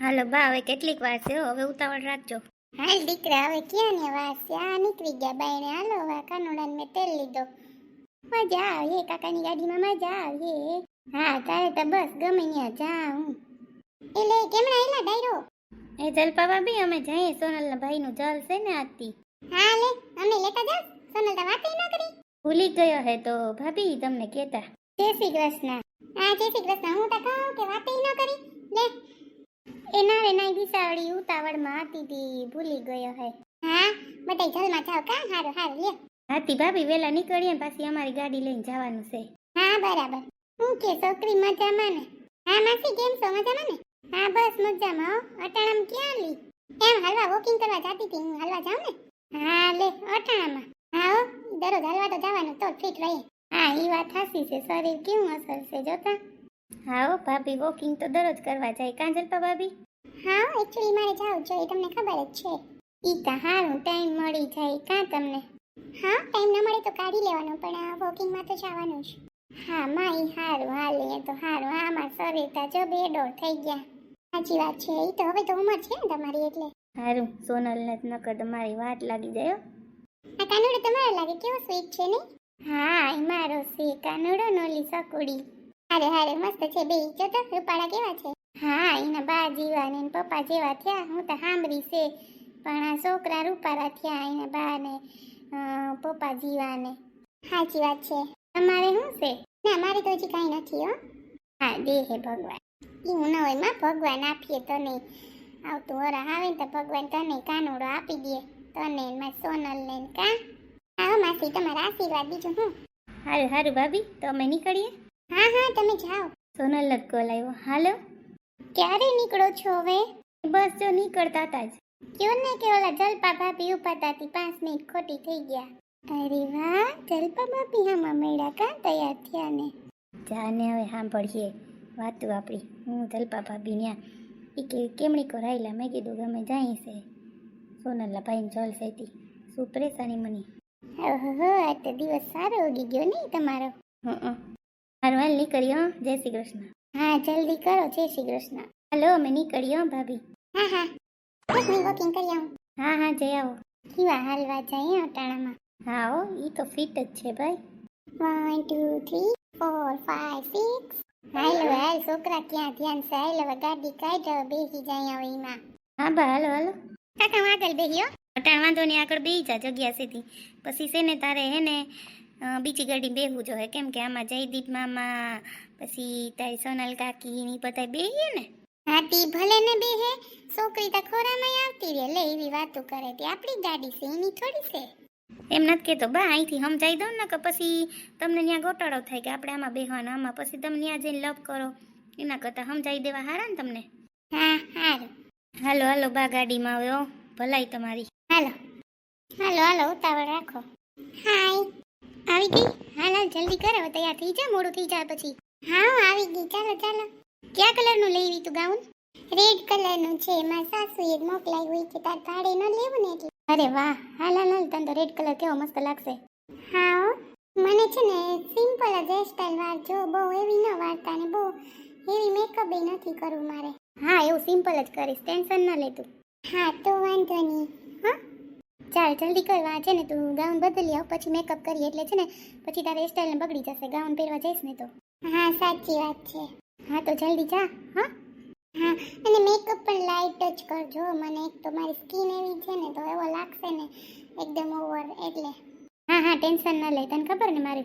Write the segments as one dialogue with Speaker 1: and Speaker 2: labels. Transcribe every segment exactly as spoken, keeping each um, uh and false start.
Speaker 1: હાલો બા, હવે કેટલીક વાર છે હો, હવે ઉતાવળ રાખજો.
Speaker 2: હાલ દીકરા, હવે ક્યાં ને વાર છે? આ નીકળી ગયા બાયણે. હાલો હવે કાનુડાને મેં તેલ લીધો. મજા આવે કાકાની ગાડીમાં, મજા આવે. હા તારે તો બસ ગમે ત્યાં જાઉં. એટલે કેમણા આયલા ડાયરો?
Speaker 1: એ જલપા ભાભી, અમે જઈએ સોનલના ભાઈનું જલ છે ને આજથી.
Speaker 2: હા લે, અમે લેતા જાવ. સોનલ તો વાતે ન કરી.
Speaker 1: ભૂલી ગયો હે તો ભાભી તમને કહેતા.
Speaker 2: જય શ્રી કૃષ્ણ. હા જય શ્રી કૃષ્ણ. હું તો કહું કે વાતે ન કરી લે.
Speaker 1: એના રે નાઈ દિસાવડી ઉતાવળમાં હતી તી ભૂલી ગયો હે.
Speaker 2: હા બધાય જલમાં જાવ કા. હારું હારું લે.
Speaker 1: હાથી ભાભી વેલા નીકળીએ પાછી અમારી ગાડી લઈને જવાનું છે.
Speaker 2: હા બરાબર. હું કે છોકરી મજામાં ને? હા માસી કેમ છો? મજામાં ને? હા બસ મજામાં હો. અટાણામાં ક્યાં લી? એમ હલવા વોકિંગ કરવા જાતી હતી. હું હલવા જાઉં ને? હા લે અટાણામાં. હા હો, દરરોજ હલવા તો જવાનું તો ફિટ રહે. હા એ વાત સાચી છે. શરીર કેવું અસર છે જોતા.
Speaker 1: હા હો ભાભી, વોકિંગ તો દરરોજ કરવા જાય કાં જલપા ભાભી?
Speaker 2: હા એક્ચ્યુઅલી મારે જાવું જોઈએ, તમને ખબર જ છે.
Speaker 1: ઈ તો હારું ટાઈમ મળી જાય કાં તમને?
Speaker 2: હા ટાઈમ ન મળે તો કાઢી લેવાનો, પણ વોકિંગમાં તો જવાનું જ.
Speaker 1: હા માં ઈ હારું હાલે એ તો હારું. હા માર શરીર તા જો બેડોળ થઈ ગયા.
Speaker 2: સાચી વાત છે. એ તો હવે તો ઉંમર છે ને તમારી એટલે.
Speaker 1: હારું સોનલને જ નકર તમારી વાટ લાગી જાય.
Speaker 2: આ કાનુડો તમારે લાગે કેવો સ્વીટ છે ને?
Speaker 1: હા એ મારો છે કાનુડો, નોલી સકુડી.
Speaker 2: હારે હારે મસ્ત છે બે. જો તો રૂપાળા કેવા છે.
Speaker 1: હા એના બા જેવા ને પપ્પા જેવા થયા. હું તો સાંભળી છે પણ આ છોકરા રૂપાળા થયા એના બા ને પપ્પા જેવા ને.
Speaker 2: સાચી વાત છે.
Speaker 1: તમારે શું છે?
Speaker 2: ના મારે તો હજી કાંઈ નથી હો.
Speaker 1: હા દે હે ભગવાન.
Speaker 2: એવું ન હોય માં, ભગવાન આપીએ તો નહીં. આવતું વરા આવે ને તો ભગવાન તને કાનુડો આપી દે. તને માં સોનલ ને કા. હા માસી તમારા આશીર્વાદ બીજું હું.
Speaker 1: હારું હારું ભાભી, તો અમે નીકળીએ.
Speaker 2: હા હા તમે જાઓ.
Speaker 1: સોનલ જ કોલ આવ્યો. હાલો
Speaker 2: ક્યારે નીકળો છો હવે?
Speaker 1: બસ જો નીકળતા હતા જ.
Speaker 2: કયો ને કે ઓલા જલપા ભાભી ઉપાતા હતી, પાંચ મિનિટ ખોટી થઈ ગયા.
Speaker 1: અરે વાહ, જલપા ભાભી હામાં મેળા કાં તૈયાર થયા ને. જાને હવે સાંભળીએ વાતું આપણી. હું જલપા ભાભી ન્યા એ કે કેમણી કો રાયલા. મેં કીધું ગમે જાય છે સોનલના ભાઈને જલ સેતી. શું પરેશાની મની.
Speaker 2: ઓહો આ તો દિવસ સારો ઉગી ગયો નહીં તમારો.
Speaker 1: હં હારું હાલ નીકળીએ. હં જય શ્રી કૃષ્ણ.
Speaker 2: હા જલ્દી કરો. જય શ્રી કૃષ્ણ.
Speaker 1: હાલો અમે નીકળીએ હં ભાભી.
Speaker 2: હા હા હું વોકિંગ કરી આવું.
Speaker 1: હા હા જઈ આવો.
Speaker 2: કેવા હાલવા જાય અટાણામાં.
Speaker 1: હા હો એ તો ફિટ જ છે ભાઈ.
Speaker 2: One two three four five six. હાલો હાલ છોકરા ક્યાં ધ્યાન છે. હાલ હવે ગાડી કાઢો, બેસી જાય હવે એમાં.
Speaker 1: હા બા હાલો હાલો.
Speaker 2: કાકા આગળ બેહ્યો.
Speaker 1: અટાણ વાંધો નહીં, આગળ બેસી જા જગ્યા સીધી. પછી છે ને તારે હે ને બીજી ગાડી બેહવું જોઈએ, કેમ કે આમાં જયદીપ મામા પછી તારી સોનલ કાકી ની બધા બેહીએ ને.
Speaker 2: હાથી ભલે ને બેહે, છોકરી તો ખોરામાં આવતી રે. લે એવી વાતો કરે તે આપણી ગાડી છે એની થોડી છે.
Speaker 1: એમ નથી કહેતો બા, અહીંથી સમજાઈ દો ને કે પછી તમને ત્યાં ગોટાળો થાય કે આપણે આમાં બેહવાનું આમાં, પછી તમે ત્યાં જઈને લપ કરો. એના કરતાં સમજાઈ દેવા હારા ને તમને.
Speaker 2: હા હારું.
Speaker 1: હાલો હાલો બા ગાડીમાં આવ્યો. ભલાઈ તમારી.
Speaker 2: હાલો હાલો હાલો ઉતાવળ રાખો. હાય આવી ગઈ. હાલ હાલ જલ્દી કરો, તૈયાર થઈ જા, મોડું થઈ જાય પછી. હા આવી ગઈ. ચાલો ચાલો. કયા કલરનું લેવી તું ગાઉન? રેડ કલરનું છે. મારા સાસુએ જ મોકલાવ્યું હોય કે તાર ભાડે ન લેવું ને એટલે.
Speaker 1: અરે વાહ, હાલ હાલ હાલ, તને તો રેડ કલર કેવો મસ્ત લાગશે.
Speaker 2: હા મને છે ને સિમ્પલ જ હેરસ્ટાઈલ વાળજો, બહુ એવી ન વાળતા ને બહુ એવી મેકઅપ એ નથી કરવું મારે.
Speaker 1: હા એવું સિમ્પલ જ કરીશ, ટેન્શન ન લેતું.
Speaker 2: હા તો વાંધો નહીં. હા
Speaker 1: ચાલ જલ્દી કરવા છે ને, તું ગાઉન બદલી આવ પછી મેકઅપ કરીએ એટલે છે ને પછી તારે સ્ટાઈલ બગડી જશે ગાઉન પહેરવા જઈશ ને તો.
Speaker 2: હા સાચી વાત છે.
Speaker 1: હા તો જલ્દી જા. હા
Speaker 2: હા અને મેકઅપ પણ લાઇટ જ કરજો. મને એક તો મારી સ્કિન એવી છે ને તો એવો લાગશે ને એકદમ ઓવર એટલે.
Speaker 1: હા હા ટેન્શન ન લે, તને ખબર ને મારી.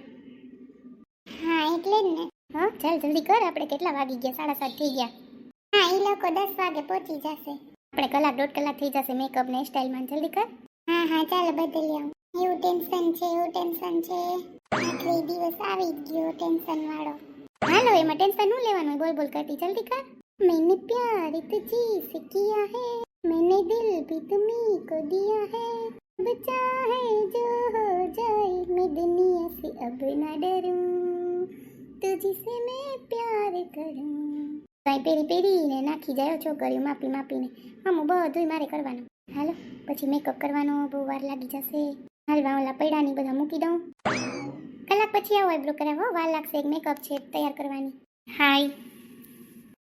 Speaker 2: હા એટલે જ ને.
Speaker 1: હા ચાલ જલ્દી કર. આપણે કેટલા વાગી ગયા? સાડા સાત થઈ ગયા.
Speaker 2: હા એ લોકો દસ વાગે પહોંચી જશે.
Speaker 1: આપણે કલાક દોઢ કલાક થઈ જશે મેકઅપ ને સ્ટાઈલમાં. જલ્દી કર.
Speaker 2: હા હા ચાલો બદલી આવું. એવું ટેન્શન છે એવું ટેન્શન છે. આખરે દિવસ આવી જ ગયો ટેન્શન વાળો.
Speaker 1: હાલો એમાં ટેન્શન ન લેવાનું, બોલ બોલ કરતી. જલ્દી કર.
Speaker 2: मैंने प्यार तुझी से किया है, मैंने दिल भी तुम्ही को दिया है, बचा है जो हो जाए मैं दुनिया से अब ना डरूं, तुझसे मैं प्यार करूं.
Speaker 1: કઈ પેરી પેરીને નાખી જાય છોકરીઓ માપી માપીને. હમ બધું મારે કરવાનું. હાલો પછી મેકઅપ કરવાનો બહુ વાર લાગી જશે. હાલવા ઓલા પૈડાની બધા મૂકી દઉં. કલાક પછી આવો આઈબ્રો કરાવો, વાર લાગશે. એક મેકઅપ છે તૈયાર કરવાની. હાય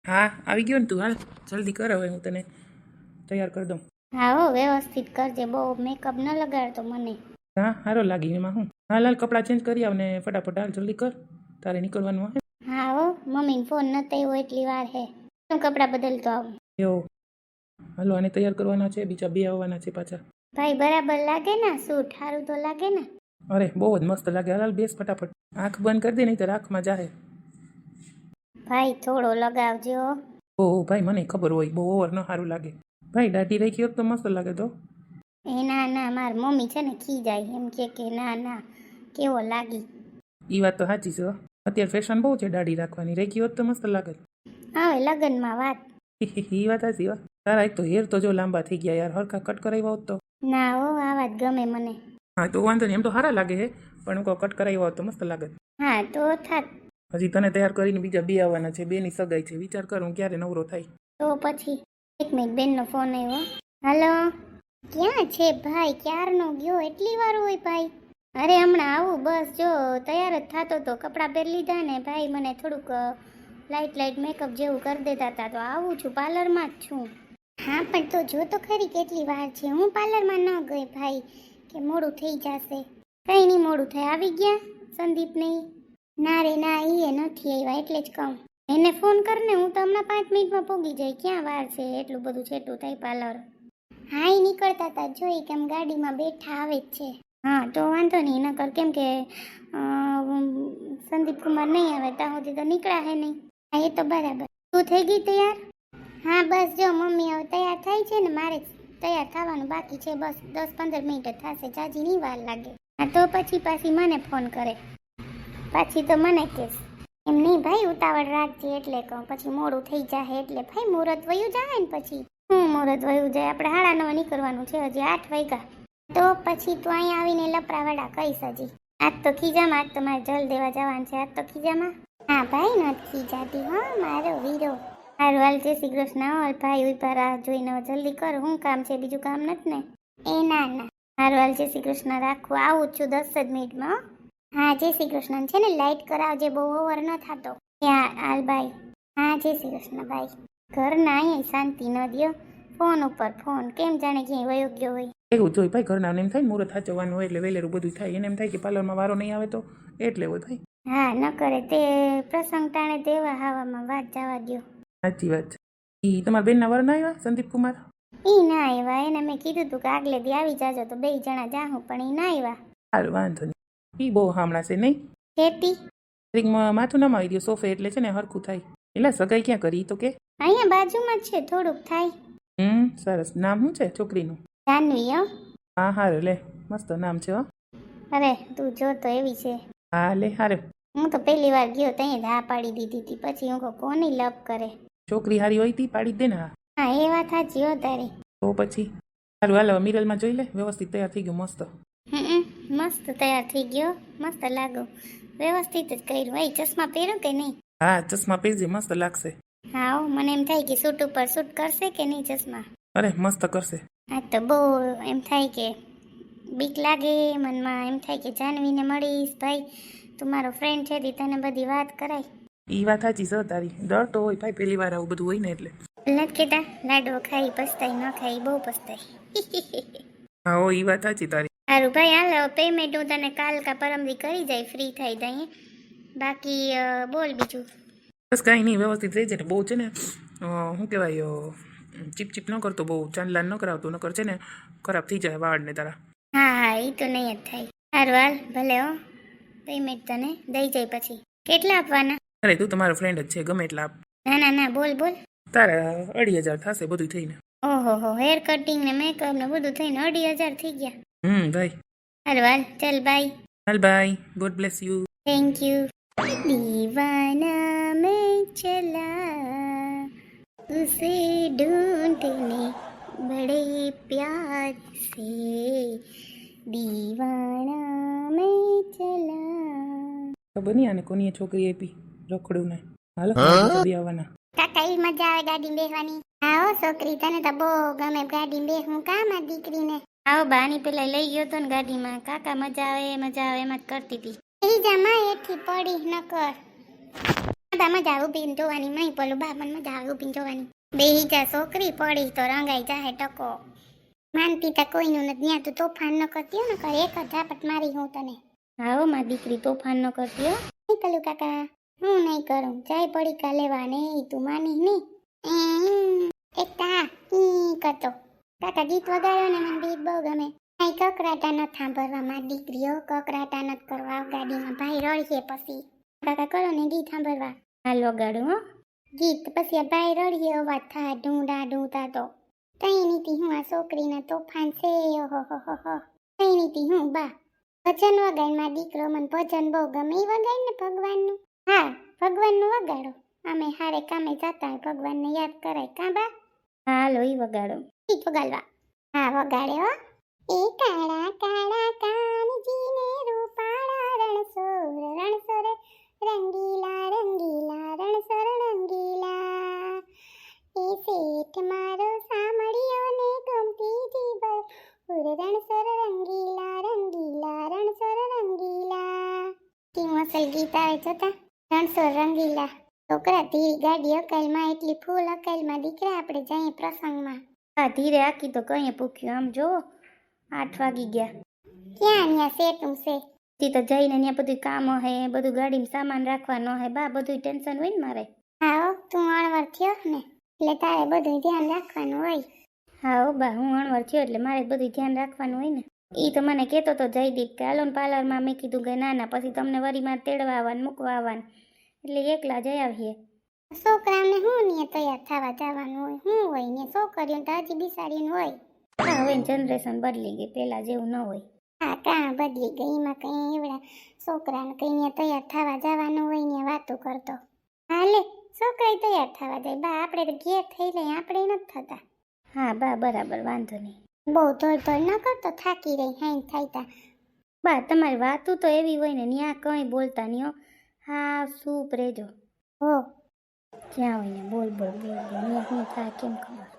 Speaker 3: હા આવી ગયો ને તું હાલ જલ્દી કર હવે હું તને તૈયાર કરી દઉં.
Speaker 1: હા હો વ્યવસ્થિત કરજે, બહુ મેકઅપ ન લગાડતો મને.
Speaker 3: હા સારો લાગી એમાં હું. હાલ હાલ કપડાં ચેન્જ કરી આવ ને ફટાફટ હાલ જલ્દી કર, તારે નીકળવાનું હે.
Speaker 1: હા હો મમ્મીને ફોન નતો આવ્યો એટલી વાર હે, હું કપડાં બદલતો આવું.
Speaker 3: એવો હાલો આને તૈયાર કરવાના છે, બીજા બે આવવાના છે પાછા.
Speaker 1: ભાઈ બરાબર લાગે ને સૂટ? સારું તો લાગે ને?
Speaker 3: અરે બહુ જ મસ્ત લાગે. હાલ હાલ બેસ ફટાફટ, આંખ બંધ કરી દે નહીં તો આંખમાં જાહે.
Speaker 1: ભાઈ થોડો લગાવજો.
Speaker 3: ઓહો ભાઈ મને ખબર હોય બહુ ઓવર ન સારું લાગે. ભાઈ દાઢી રાખી હોત તો મસ્ત લાગે તો.
Speaker 1: એ ના ના માર મમ્મી છે ને ખી જાય એમ કે કે ના ના કેવો લાગી.
Speaker 3: એ વાત તો સાચી છે હો. અત્યારે ફેશન બહુ છે દાઢી રાખવાની, રાખી હોત તો મસ્ત લાગે.
Speaker 1: હવે લગ્નમાં વાત.
Speaker 3: એ વાત સાચી હો. તારા એક તો હેર તો જો લાંબા થઈ ગયા યાર, હરખા કટ કરાવ્યા હોત તો.
Speaker 1: ના હો આ વાત ગમે મને.
Speaker 3: હા તો વાંધો નહીં, એમ તો સારા લાગે છે પણ હું કટ કરાવ્યા હોત તો મસ્ત લાગે.
Speaker 1: હા તો થાત.
Speaker 3: હજી તને તૈયાર કરીને બીજા બે આવવાના છે, બેની સગાઈ છે, વિચાર કર હું ક્યારે નવરો થાય.
Speaker 1: તો પછી એક મિનિટ બેનનો ફોન આવ્યો. હાલો ક્યાં છે ભાઈ? ક્યારનો ગયો? એટલી વાર હોય ભાઈ? અરે હમણાં આવું બસ જો તૈયાર જ થતો તો, કપડાં પહેરી લીધા ને ભાઈ મને થોડુંક લાઇટ લાઇટ મેકઅપ જેવું કરી દેતા હતા તો આવું છું, પાર્લરમાં જ છું.
Speaker 2: હા પણ તો જો તો ખરી કેટલી વાર છે, હું પાર્લરમાં ન ગઈ ભાઈ કે મોડું થઈ જશે.
Speaker 1: કંઈ નહીં મોડું થાય. આવી ગયા સંદીપ નહીં?
Speaker 2: ના રે ના એ નથી આવ્યા એટલે જ કહું.
Speaker 1: એને ફોન કરને, હું તો હમણાં પાંચ મિનિટમાં પહોંચી જાય. ક્યાં વાર છે? એટલું બધું છેટું થાય પાર્લર.
Speaker 2: હા એ નીકળતા હતા જોઈ કેમ ગાડીમાં બેઠા આવે જ છે.
Speaker 1: હા તો વાંધો નહીં નકર, કેમ કે સંદીપ કુમાર નહીં આવે ત્યાં સુધી તો નીકળ્યા હે નહીં.
Speaker 2: હા એ તો બરાબર.
Speaker 1: તું થઈ ગઈ તૈયાર?
Speaker 2: હા બસ જો મમ્મી હવે તૈયાર થાય છે ને, મારે તૈયાર થવાનું બાકી છે. બસ દસ પંદર મિનિટ જ થશે, જાજી નહીં વાર લાગે.
Speaker 1: હા તો પછી પાછી મને ફોન કરે, પાછી તો મને કહેશ.
Speaker 2: એમ નહીં ભાઈ ઉતાવળ રાખજે એટલે કહું, પછી મોડું થઈ જાય એટલે ભાઈ મુહૂર્ત વયું જાય ને પછી.
Speaker 1: હું મુહૂર્ત વયું જાય? આપણે સાડા નવ નીકળવાનું છે, હજી આઠ વાગ્યા.
Speaker 2: તો પછી તું અહીંયા આવીને લપરાવાડા કહીશ હજી.
Speaker 1: આજ તો ખીજામાં, આજ તો મારે જલ દેવા જવાનું છે. આજ તો ખીજામાં.
Speaker 2: હા ભાઈ નથી ખીજાતી હા મારો વીરો.
Speaker 1: હારું હાલ જય શ્રી કૃષ્ણ. હાલ ભાઈ ઉભા રાહ જોઈને જલ્દી કર. શું કામ છે? બીજું કામ નથી ને?
Speaker 2: એ ના ના.
Speaker 1: હારું હાલ જય શ્રી કૃષ્ણ. રાખવું, આવું જ છું દસ જ મિનિટમાં.
Speaker 2: હા જય શ્રી કૃષ્ણ. છે ને લાઈટ કરાવજે, બહુ ઓવર ન થતો.
Speaker 1: ત્યાં હાલ બાય.
Speaker 2: હા જય શ્રી કૃષ્ણ બાય.
Speaker 1: ઘરના અહીંયા શાંતિ ન દ્યો, ફોન ઉપર ફોન, કેમ જાણે ક્યાંય વયો ગયો હોય.
Speaker 3: એવું જોઈ ભાઈ ઘરના એમ થાય ને મુહૂર્ત સાચવવાનું હોય એટલે વહેલેરું બધું થાય. એને એમ થાય કે પાર્લરમાં વારો નહીં આવે તો એટલે એવું થાય.
Speaker 1: હા ન કરે તે પ્રસંગ ટાણે તેવા હાવામાં વાત જવા દ્યો.
Speaker 3: સાચી વાત છે. એ તમારા બેનના વર ના આવ્યા સંદીપ કુમાર?
Speaker 1: ઈ ના આવ્યા. એને મેં કીધું તું કે આગલે દી આવી જાજો તો બે જણા જાહું, પણ ઈ ના આવ્યા.
Speaker 3: સારું વાંધો નહીં. એ બહુ હામણા છે નહીં?
Speaker 1: ખેતી
Speaker 3: ટ્રીકમાં માથું ના આવી ગયું સોફે એટલે છે ને હરખું થાય. એટલે સગાઈ ક્યાં કરી તો કે?
Speaker 1: અહીંયા બાજુમાં જ છે, થોડુંક થાય.
Speaker 3: હમ સરસ. નામ શું છે છોકરીનું?
Speaker 1: જાનવી. હો
Speaker 3: હા હારું લે, મસ્ત નામ છે હો.
Speaker 1: અરે તું જો તો એવી છે.
Speaker 3: હા લે હારું.
Speaker 1: હું તો પહેલી વાર ગયો ત્યાં હા પાડી દીધી હતી, પછી હું કહું કોની લપ કરે.
Speaker 3: છોકરી હારી હોય તી પાડી દે ને. હા
Speaker 1: હા એ વાત સાચી હો તારી.
Speaker 3: તો પછી હારું હાલો મિરલમાં જોઈ લે, વ્યવસ્થિત તૈયાર થઈ ગયું મસ્ત.
Speaker 1: હમ મસ્ત તૈયાર થઈ ગયો, મસ્ત લાગો, વ્યવસ્થિત જ કર્યું. ભાઈ ચશ્મા પહેરો કે નહીં?
Speaker 3: હા ચશ્મા પહેરજે, મસ્ત લાગશે.
Speaker 1: હા મને એમ થાય કે સૂટ ઉપર સૂટ કરશે કે નહીં ચશ્મા.
Speaker 3: અરે મસ્ત કરશે.
Speaker 1: હા તો બહુ એમ થાય કે બીક લાગે મનમાં, એમ થાય કે જાનવીને મળીશ. ભાઈ તું મારો ફ્રેન્ડ છે, તને બધી વાત કરાય.
Speaker 3: એ વાત સાચી છે તારી. ડર તો હોય ભાઈ, પહેલી વાર આવું બધું હોય ને એટલે.
Speaker 1: નથી કહેતા લાડવો ખાઈ પસ્તાઈ ન ખાઈ બહુ પસ્તાઈ.
Speaker 3: હા હો એ વાત સાચી તારી.
Speaker 1: સારું ભાઈ હાલ પેમેન્ટ હું તને કાલ કા પરમદી કરી જાય, ફ્રી થઈ જાય. બાકી બોલ બીજું.
Speaker 3: બસ કાંઈ નહીં, વ્યવસ્થિત રહી જાય. બહુ છે ને શું કહેવાય, ચીપ ચીપ ન કરતો, બહુ ચાંદલાન ન કરાવતો, નકર છે ને ખરાબ થઈ જાય વાળ ને તારા.
Speaker 1: હા હા એ તો નહીં જ થાય. સારું હાલ ભલે હો, પેમેન્ટ તને દઈ જાય પછી. કેટલા આપવાના?
Speaker 3: અરે તું તમારો ફ્રેન્ડ જ છે, ગમે એટલા આપ.
Speaker 1: ના ના ના બોલ બોલ.
Speaker 3: તારા અઢી હજાર થશે બધું થઈને.
Speaker 1: ઓહો હો, હેર કટિંગ ને મેકઅપ ને બધું થઈને અઢી હજાર થઈ ગયા.
Speaker 3: હમ ભાઈ.
Speaker 1: હાલ હાલ ચાલ બાય.
Speaker 3: હાલ bye, God bless you.
Speaker 1: Thank you. दीवाना मैं चला उसे ढूंढने बड़े प्यार से, दीवाना मैं चला.
Speaker 3: ખબર નહીં આને કોની છોકરી આપી રખડું ને. હાલો જલ્દી આવવાના.
Speaker 2: કાકા એ મજા આવે ગાડીમાં બેસવાની. હા હો છોકરી તને તો બહુ ગમે ગાડીમાં બેસવું. કામ આ દીકરીને.
Speaker 1: આવો બાની પેલા લઈ ગયો તો ને ગાડીમાં, કાકા મજા આવે મજા આવે એમ જ કરતી હતી.
Speaker 2: એ જમા એથી પડી ન કર. બા મજા આવે ઊભીને જોવાની, નહીં બોલું બા મને મજા આવે ઊભીને જોવાની. બેહી જા છોકરી, પડી તો રંગાઈ જાહે ટકો. માનતી તા કોઈનું નથી, ત્યાં તું તોફાન ન કરતી હો ને કર, એક જ ઝાપટ મારી હું તને.
Speaker 1: આવો મારી દીકરી તોફાન ન કરતી હો.
Speaker 2: નહીં કલું કાકા, હું નહીં કરું, જાય પડીકા લેવા ને ઈ તું માની નહીં. એક તા ઈ કરતો કાકા ગીત વગાડ્યો ને મને ગીત બહુ ગમે. કઈ કકરાટા ન સાંભળવા મારી દીકરીઓ, કકરાટા ન કરવા ગાડીમાં, ભાઈ રડીએ પછી. કાકા કરો ને ગીત સાંભળવા.
Speaker 1: હાલ વગાડું હો.
Speaker 2: ગીત પછી આ ભાઈ રડીએ અવાજ થાય ઢૂંઢા ઢૂંઢા તો કઈ નીતિ હું આ છોકરીના તોફાન છે. ઓહો હો હો હો કઈ નીતિ હું બા ભજન વગાડ મારો દીકરો, મને ભજન બહુ ગમે. ઈ વગાડ ને ભગવાનનું. હા ભગવાનનું વગાડો, અમે હારે કામે જતા હોય ભગવાનને યાદ કરાય કા બા.
Speaker 1: હાલો ઈ વગાડો.
Speaker 2: ગીત વગાડવા. હા વગાડે હો. એ કાળા કાળા કાનજીને રૂપાળા રણછોડ રણછોડ રંગીલા રંગીલા રણછોડ રંગીલા. એ શેઠ મારો સાંભળ્યો ને ગમતી જીવર ઉર રણછોડ રંગીલા રંગીલા રણછોડ રંગીલા. કેવું અસલ ગીત આવે જોતા. રણછોડ રંગીલા. છોકરા ધીરી ગાડી અકાલમાં, એટલી ફૂલ અકાલમાં દીકરા આપણે જઈએ પ્રસંગમાં.
Speaker 1: હા ધીરે આખી તો કઈ પૂખ્યું, આમ જો આઠ વાગી ગયા.
Speaker 2: ક્યાં ન્યા સેટું છે.
Speaker 1: તી તો જઈને ત્યાં બધું કામ હે, બધું ગાડીમાં સામાન રાખવાનો હે બા, બધું ટેન્શન હોય ને મારે.
Speaker 2: હા તું અણવર થયો ને એટલે તારે બધું ધ્યાન રાખવાનું હોય.
Speaker 1: હા હો બા, હું અણવર થયો એટલે મારે બધું ધ્યાન રાખવાનું હોય ને. ઈ તો મને કહેતો તો જયદીપ કે હાલો ને પાર્લરમાં. મેં કીધું કે ના ના, પછી તમને વરીમાં તેડવા આવવાનું મૂકવા આવવાનું, એટલે એકલા જઈ આવીએ.
Speaker 2: છોકરાને હું ને તૈયાર થવા જવાનું હોય, હું હોય ને છોકરીઓ તો હજી બિસાડીને હોય.
Speaker 1: હા હવે જનરેશન બદલી ગઈ, પેલા જેવું ન હોય.
Speaker 2: હા કાં બદલી ગઈ, એમાં કઈ એવડા છોકરાને કઈ ને તૈયાર થવા જવાનું હોય ને વાતો કરતો. હાલે છોકરા તૈયાર થવા જાય બા, આપણે તો ઘેર થઈ લઈએ, આપણે નથી થતા.
Speaker 1: હા બા બરાબર, વાંધો નહીં.
Speaker 2: બહુ ધોળ ધોળ ન કરતો, થાકી રહી હાઈ થાય તા.
Speaker 1: બા તમારી વાતું તો એવી હોય ને, ન્યા કંઈ બોલતા નહીં હો. હા સૂપ રેજો
Speaker 2: હો
Speaker 1: જ્યાં હોય ને બોલ બોલ બોલ બોલ, ન્યા શું થાય કેમ ખબર.